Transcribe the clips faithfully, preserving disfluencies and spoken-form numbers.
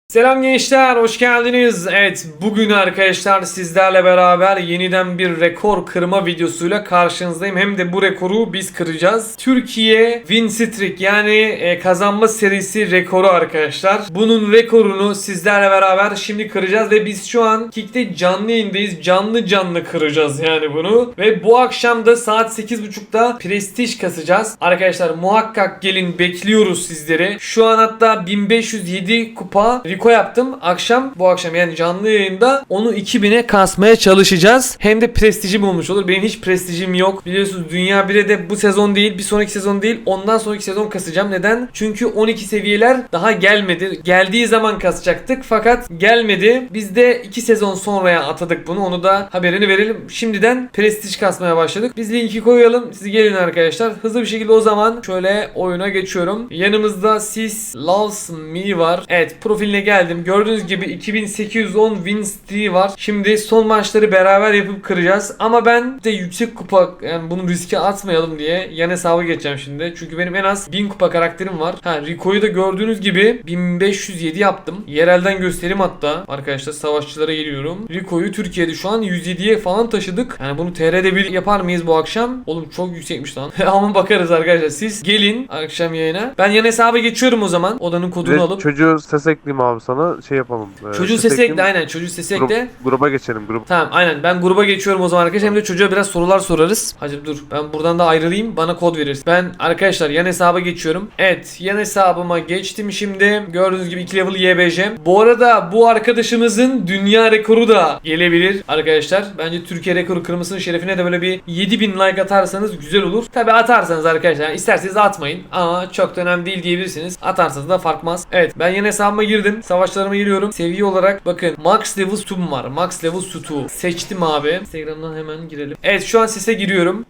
Selam gençler, hoş geldiniz. Evet, bugün arkadaşlar sizlerle beraber yeniden bir rekor kırma videosuyla karşınızdayım. Hem de bu rekoru biz kıracağız. Türkiye Win Streak yani e, kazanma serisi rekoru arkadaşlar. Bunun rekorunu sizlerle beraber şimdi kıracağız ve biz şu an Kick'te canlı yayındayız. Canlı canlı kıracağız yani bunu. Ve bu akşam da saat sekiz buçukta prestij kasacağız. Arkadaşlar muhakkak gelin, bekliyoruz sizleri. Şu an hatta bin beş yüz yedi kupa Riko yaptım. Akşam bu akşam yani canlı yayında onu iki bine kasmaya çalışacağız. Hem de prestijim olmuş olur. Benim hiç prestijim yok. Biliyorsunuz Dünya bire de bu sezon değil, bir sonraki sezon değil, ondan sonraki sezon kasacağım. Neden? Çünkü on iki seviyeler daha gelmedi. Geldiği zaman kasacaktık fakat gelmedi. Biz de iki sezon sonraya atadık bunu. Onu da haberini verelim. Şimdiden prestij kasmaya başladık. Biz linki koyalım. Siz gelin arkadaşlar. Hızlı bir şekilde o zaman şöyle oyuna geçiyorum. Yanımızda Sis Loves Me var. Evet, profiline geldim. Gördüğünüz gibi iki bin sekiz yüz on win streak var. Şimdi son maçları beraber yapıp kıracağız. Ama ben de yüksek kupa, yani bunu riske atmayalım diye yan hesabı geçeceğim şimdi. Çünkü benim en az bin kupa karakterim var. Ha, Rico'yu da gördüğünüz gibi bin beş yüz yedi yaptım. Yerelden göstereyim hatta. Arkadaşlar savaşçılara geliyorum. Rico'yu Türkiye'de şu an yüz yediye falan taşıdık. Yani bunu T R'de bir yapar mıyız bu akşam? Oğlum çok yüksekmiş lan. Ama bakarız arkadaşlar. Siz gelin akşam yayına. Ben yan hesaba geçiyorum o zaman. Odanın kodunu Ve alıp. çocuğu ses ekleyeyim abi sana, şey yapalım. E, Çocuğu ses sesi ekle, ekleyeyim, aynen çocuğu sesi grup- ekle. gruba geçelim grup. Tamam, aynen ben gruba geçiyorum o zaman arkadaşlar. Hem de çocuğa biraz sorular sorarız. Hacı dur, ben buradan da ayrılayım, bana kod verirsin. Ben arkadaşlar yan hesaba geçiyorum. Evet, yan hesabıma geçtim şimdi. Gördüğünüz gibi iki level Y B J. Bu arada bu arkadaşımızın dünya rekoru da gelebilir arkadaşlar. Bence Türkiye rekoru kırmasının şerefine de böyle bir yedi bin like atarsanız güzel olur. Tabi atarsanız arkadaşlar, yani isterseniz atmayın ama çok da önemli değil diyebilirsiniz. Atarsanız da farkmaz. Evet, ben yan hesabıma girdim. Savaşlarıma giriyorum. Seviye olarak bakın, max level sutum var. Max level sutu seçtim abi. Instagram'dan hemen girelim. Evet, şu an sese giriyorum.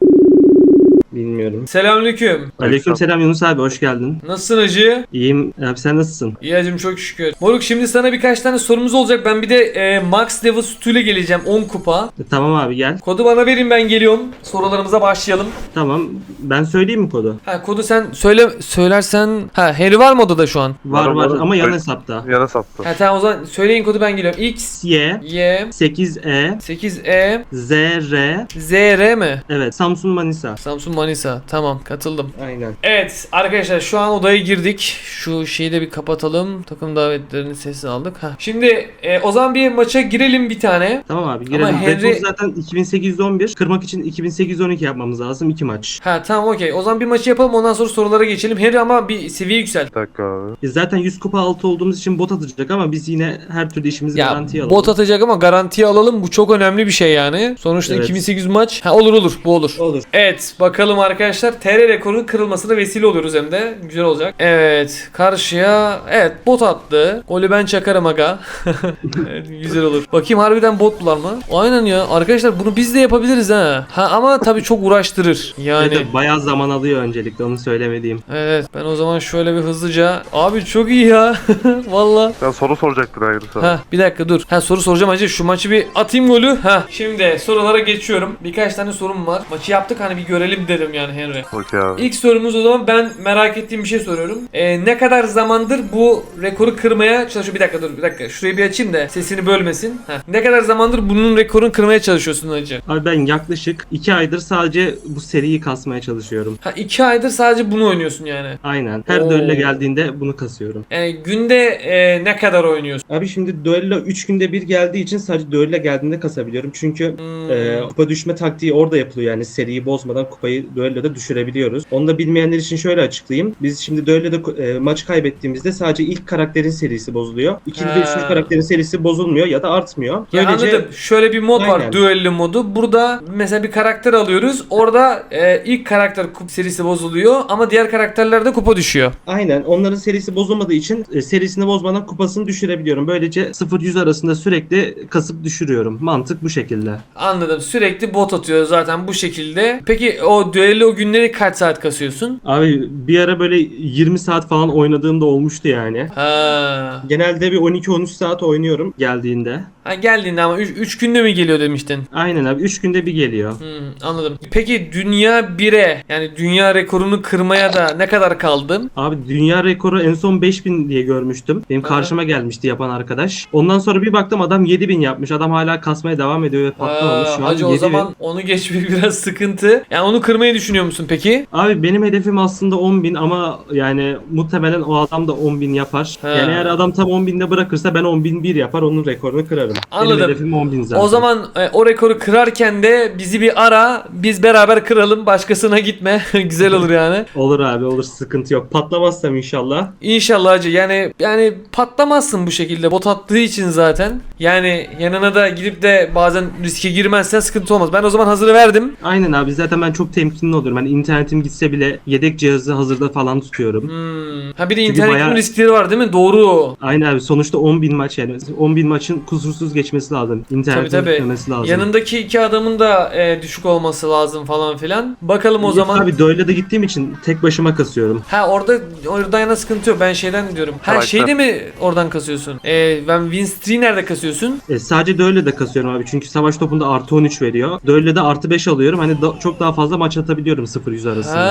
Bilmiyorum. Selamünaleyküm. Aleykümselam Yunus abi, hoş geldin. Nasılsın hacı? İyiyim abi, sen nasılsın? İyi hacım, çok şükür. Moruk, şimdi sana birkaç tane sorumuz olacak. Ben bir de e, max level sutuyla geleceğim, on kupa. E, tamam abi, gel. Kodu bana verin, ben geliyorum. Sorularımıza başlayalım. Tamam, ben söyleyeyim mi kodu? Ha, kodu sen söyle, söylersen. Ha, Harry var mı odada şu an? Var Var, var var. ama yan Evet. hesapta. Yana sattı. Ha tamam, o zaman söyleyin kodu, ben geliyorum. X Y Y sekiz E sekiz E Z R Z R mi? Evet, Samsun Manisa. Samsun Manisa. Tamam, katıldım. Aynen. Evet arkadaşlar, şu an odaya girdik. Şu şeyi de bir kapatalım. Takım davetlerinin sesini aldık. Heh. Şimdi e, o zaman bir maça girelim bir tane. Tamam abi, girelim. Ama Henry- Rekor zaten iki bin sekiz yüz on bir. Kırmak için iki bin sekiz yüz on iki yapmamız lazım. iki maç. Ha tamam, okey. O zaman bir maçı yapalım, ondan sonra sorulara geçelim. Harry ama bir seviye yükselt. Bir dakika abi. E, zaten yüz kupa altı olduğumuz için bot atacak ama biz yine her türlü işimizi Ya garantiye alalım. bot atacak ama garantiye alalım. Bu çok önemli bir şey yani. Sonuçta Evet. iki bin sekiz yüz maç. Ha, olur olur, bu olur. Olur. Evet bakalım arkadaşlar, T R rekorunun kırılmasına vesile oluyoruz, hem de güzel olacak. Evet, karşıya evet bot attı. Golü ben çakarım aga. Evet, güzel olur. Bakayım harbiden botlar mı? Aynen ya arkadaşlar, bunu biz de yapabiliriz ha. Ha ama tabii çok uğraştırır. Yani Evet, bayağı zaman alıyor öncelikle, onu söylemediğim. evet, ben o zaman şöyle bir hızlıca. Abi çok iyi ya. Valla. Ben soru soracaktın ayrı sana. Ha bir dakika dur. Ha soru soracağım hacı. Şu maçı bir atayım golü. Ha şimdi sorulara geçiyorum. Birkaç tane sorum var. Maçı yaptık, hani bir görelim dedim yani Henry. Okey abi. İlk sorumuz o zaman, ben merak ettiğim bir şey soruyorum. Ee, ne kadar zamandır bu rekoru kırmaya çalışıyor? Bir dakika dur, bir dakika. Şurayı bir açayım da sesini bölmesin. Heh. Ne kadar zamandır bunun rekorunu kırmaya çalışıyorsun hacı? Abi ben yaklaşık iki aydır sadece bu seriyi kasmaya çalışıyorum. Ha iki aydır sadece bunu oynuyorsun yani. Aynen. Her Oo. düello geldiğinde bunu kasıyorum. Yani günde e, ne kadar oynuyorsun? Abi şimdi düello üç günde bir geldiği için sadece düello geldiğinde kasabiliyorum. Çünkü Hmm. e, kupa düşme taktiği orada yapılıyor. Yani seriyi bozmadan kupayı düelloda düşürebiliyoruz. Onu da bilmeyenler için şöyle açıklayayım. Biz şimdi düelloda e, maç kaybettiğimizde sadece ilk karakterin serisi bozuluyor. İkinci Ha. ve üçüncü karakterin serisi bozulmuyor ya da artmıyor. Ya anladım. Şöyle bir mod var, Aynen. düello modu. Burada mesela bir karakter alıyoruz. Orada e, ilk karakter kup serisi bozuluyor ama diğer karakterlerde kupa düşüyor. Aynen. Onların serisi bozulmadığı için e, serisini bozmadan kupasını düşürebiliyorum. Böylece sıfır yüz arasında sürekli kasıp düşürüyorum. Mantık bu şekilde. Anladım. Sürekli bot atıyor zaten bu şekilde. Peki o düello günleri kaç saat kasıyorsun? Abi bir ara böyle yirmi saat falan oynadığım da olmuştu yani. Ha. Genelde bir on iki on üç saat oynuyorum geldiğinde. Ha geldiğinde ama üç günde mi geliyor demiştin? Aynen abi, üç günde bir geliyor. Hmm, anladım. Peki dünya bire yani dünya rekorunu kırmaya da ne kadar kaldın? Abi dünya rekoru en son beş bin diye görmüştüm. Benim Aha. karşıma gelmişti yapan arkadaş. Ondan sonra bir baktım adam yedi bin yapmış. Adam hala kasmaya devam ediyor ve patlamamış. Aa, Şu an hacı o yedi bin. zaman onu geçmek biraz sıkıntı. Yani onu kırmayı düşünüyor musun peki? Abi benim hedefim aslında on bin ama yani muhtemelen o adam da on bin yapar. Ha. Yani eğer adam tam on binde bırakırsa ben on bin bir yapar, onun rekorunu kırarım. Anladım. Benim hedefim on bin zaten. O zaman e, o rekoru kırarken de bizi bir ara, biz beraber kıralım, başkasına gitme. Güzel olur yani. Olur abi, olur, sıkıntı yok. Patlamazsam inşallah. İnşallah hacı. Yani yani patlamazsın bu şekilde. Bot attığı için zaten. Yani yanına da gidip de bazen riske girmezsen sıkıntı olmaz. Ben o zaman hazırı verdim. Aynen abi, zaten ben çok temkinli olurum. Hani internetim gitse bile yedek cihazı hazırda falan tutuyorum. Hmm. Ha bir de Çünkü internetin bayağı- riskleri var değil mi? Doğru. Aynen abi, sonuçta on bin maç, yani on bin maçın kusursuz geçmesi lazım. İnternetin Tabii, tabii. gitmemesi lazım. Yanındaki iki adamın da e, düşük olması lazım falan filan. Bakalım o Yok zaman. Abi Doyle'da da gittiğim için tek başıma kasıyorum. Ha orada orada yana sıkıntı yok. Ben şeyden diyorum. Ha Karakter. şeyde mi oradan kasıyorsun? E, ben win streak'i nerede kasıyorsun? E, sadece Doyle'da kasıyorum abi, çünkü savaş topunda artı on üç veriyor. Doyle'da artı beş alıyorum. Hani da- çok daha fazla maç atabiliyorum sıfır yüz arasında.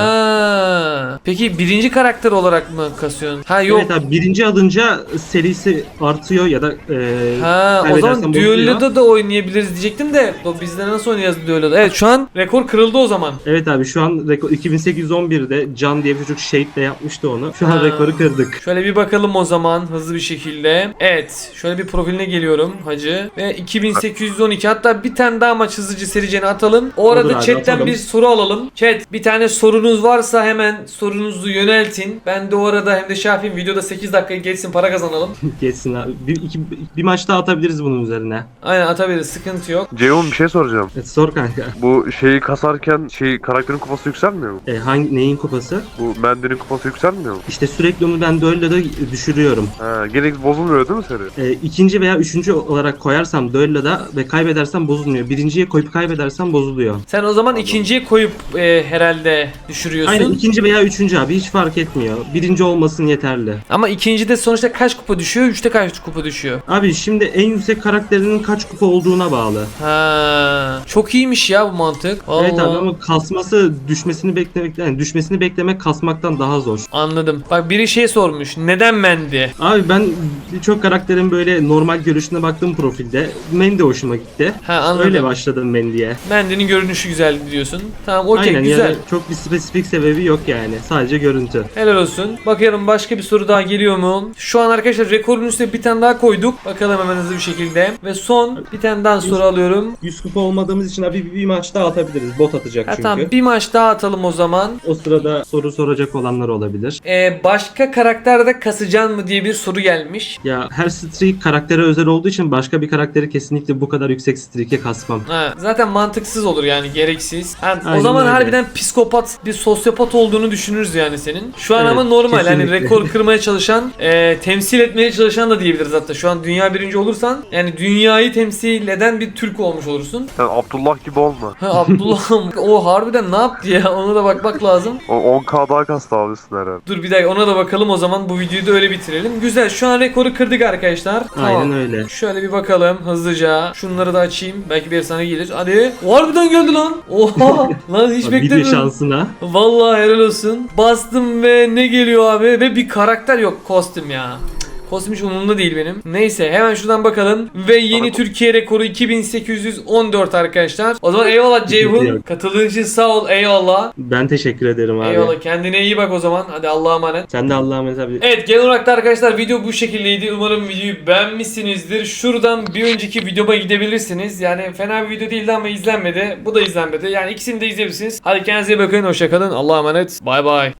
Ha. Peki birinci karakter olarak mı kasıyorsun? Ha yok. Evet abi, birinci alınca serisi artıyor ya da e, Ha o kaybedersen zaman bozuluyor. düelloda da oynayabiliriz diyecektim de o bizde nasıl oynayacağız düelloda? Evet şu an rekor kırıldı o zaman. Evet abi, şu an rekor iki bin sekiz yüz on birde Can diye bir çocuk Shade'le yapmıştı onu. Şu an Ha. rekoru kırdık. Şöyle bir bakalım o zaman hızlı bir şekilde. Evet şöyle bir profiline geliyorum hacı. Ve iki bin sekiz yüz on iki, hatta bir tane daha maç hızlıca sericeni atalım. O arada Olur abi, chatten atalım. bir soru alalım. Chat bir tane sorunuz varsa hemen sorunuzu yöneltin. Ben de o arada hem de şey yapayım, videoda sekiz dakika geçsin, para kazanalım. Geçsin abi. Bir, iki, bir maç daha atabiliriz bunun üzerine. Aynen atabiliriz, sıkıntı yok. Ceyhun bir şey soracağım. Evet, sor kanka. Bu şeyi kasarken şey karakterin kupası yükselmiyor mu? E, hangi neyin kupası? Bu Mendy'nin kupası yükselmiyor mu? İşte sürekli onu ben Duello'da düşürüyorum. Ha, gene bozulmuyor değil mi seri? E, ikinci veya üçüncü olarak koyarsam Duello'da ve kaybedersem bozulmuyor. Birinciye koyup kaybedersem bozuluyor. Sen o zaman ikinciye koyup e, herhalde düşürüyorsun. Aynen, ikinci veya üçüncü abi, hiç fark etmiyor. Birinci olmasın yeterli. Ama ikincide sonuçta kaç kupa düşüyor? Üçte kaç kupa düşüyor? Abi şimdi en yüksek karakterinin kaç kupa olduğuna bağlı. Ha, çok iyiymiş ya bu mantık. Vallahi. Evet abi, ama kasması düşmesini beklemek, yani düşmesini beklemek kasmaktan daha zor. Anladım. Bak biri şey sormuş. Neden Mendi? Abi ben birçok karakterin böyle normal görüşüne baktım profilde. Mendy hoşuma gitti. Ha anladım. Öyle başladım Mendy'ye. Mendi'nin görünüşü güzel diyorsun. Tamam okey Aynen, güzel. yani çok bir spesifik sebebi yok yani. Sadece görüntü. Helal olsun. Bakıyorum başka bir soru daha geliyor mu? Şu an arkadaşlar rekorun üstüne bir tane daha koyduk. Bakalım hemen hızlı bir şekilde. Ve son bir tane daha soru alıyorum. yüz kupa olmadığımız için abi bir, bir maç daha atabiliriz. Bot atacak Ha, çünkü. tamam bir maç daha atalım o zaman. O sırada soru soracak olanlar olabilir. Ee, başka karakterde kasacaksın mı diye bir soru gelmiş. Ya her streak karaktere özel olduğu için başka bir karakteri kesinlikle bu kadar yüksek streak'e kasmam. Ha, zaten mantıksız olur yani, gereksiz. Ha, o Aynen zaman öyle. harbiden psikopat, bir sosyopat olduğunu düşünürüz yani senin. Şu an Evet, ama normal yani kesinlikle. rekor kırmaya çalışan, e, temsil etmeye çalışan da diyebiliriz hatta. Şu an dünya birinci olursan yani dünyayı temsil eden bir Türk olmuş olursun. Sen Abdullah gibi olma. Ha Abdullah'ım o harbiden ne yaptı ya, ona da bakmak lazım. O on K daha kastı abisin herhalde. Dur bir dakika ona da bakalım o zaman, bu videoyu da öyle bitirelim. Güzel, şu an rekoru kırdık arkadaşlar. Aynen öyle. Şöyle bir bakalım hızlıca. Şunları da açayım. Belki bir efsane gelir. Hadi. O harbiden geldi lan. Oha. Lan hiç Video beklemiyordum. şansına. Vallahi helal olsun. Bastım ve ne geliyor abi? Ve bir karakter yok. Kostüm ya. Kostüm hiç umurumda değil benim. Neyse hemen şuradan bakalım. Ve yeni Türkiye rekoru iki bin sekiz yüz on dört arkadaşlar. O zaman eyvallah Ceyhun. Yok. Katıldığın için sağ ol. Eyvallah. Ben teşekkür ederim abi. Eyvallah. Kendine iyi bak o zaman. Hadi Allah'a emanet. Sen de Allah'a emanet abi. Evet, genel olarak da arkadaşlar video bu şekildeydi. Umarım videoyu beğenmişsinizdir. Şuradan bir önceki videoma gidebilirsiniz. Yani fena bir video değildi ama izlenmedi. Bu da izlenmedi. Yani ikisini de izleyebilirsiniz. Hadi kendinize iyi bakın. Hoşçakalın. Allah'a emanet. Bay bay.